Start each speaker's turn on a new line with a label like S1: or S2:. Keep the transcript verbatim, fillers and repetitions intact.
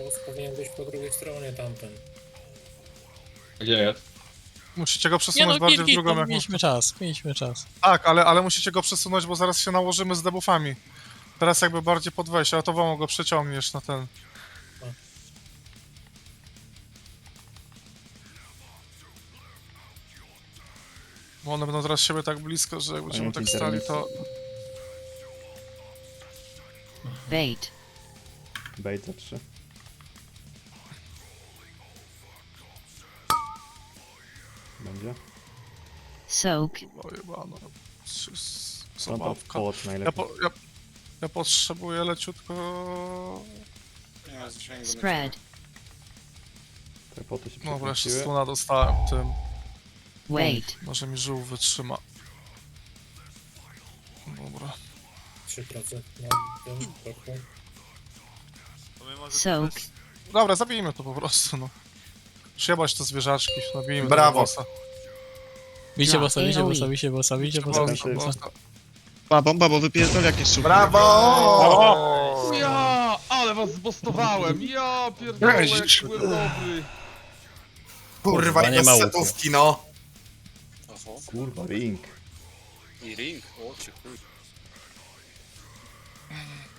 S1: Boss powinien być po drugiej stronie tamten.
S2: Gdzie jest?
S3: Musicie go
S4: Nie
S3: przesunąć
S4: no,
S3: bardziej
S4: git,
S3: w
S4: git,
S3: drugą,
S4: no,
S3: jak
S4: mieliśmy
S3: można.
S4: czas, mieliśmy czas.
S3: Tak, ale, ale musicie go przesunąć, bo zaraz się nałożymy z debuffami. Teraz jakby bardziej pod wejście, a to wam go przeciągniesz na ten. Bo one będą teraz siebie tak blisko, że jak będziemy tak stali, to...
S5: Bait.
S6: Bait za trzy. Będzie?
S5: Soak.
S3: O jebano.
S6: No to
S3: Zabawka.
S6: połot
S3: Ja,
S6: najlepiej.
S3: po, ja, ja potrzebuję leciutko...
S1: Nie ma zasięgu.
S5: Spread.
S6: Te poty się
S3: No wreszcie
S6: przekręciły.
S3: stuna dostałem tym.
S5: Wait.
S3: Może mi żółw wytrzyma. Dobra.
S1: trzy procent na tym roku.
S5: Soak.
S3: Dobra, zabijmy to po prostu, no. Przyjebać te zwierzaczki, nabijmy
S7: Brawo.
S3: tego bossa.
S4: Bicie
S5: Dla
S4: bossa, bicie
S5: A O E.
S4: bossa, bicie bossa, bicie bossa,
S3: Bossa,
S4: bicie bossa.
S3: bossa.
S8: Pa, bomba, bo wypierdol jakieś super.
S7: Brawo!
S2: Ja, ale was zbostowałem! Ja pierdolę, jak
S7: Jezisz.
S2: byłem dobry!
S7: Kurwa,
S9: Kurwa, nie
S7: nie
S9: ma łuku.
S7: setówki, no.
S1: Oho.
S6: Kurwa, ring.
S1: I ring. O, cię chuj.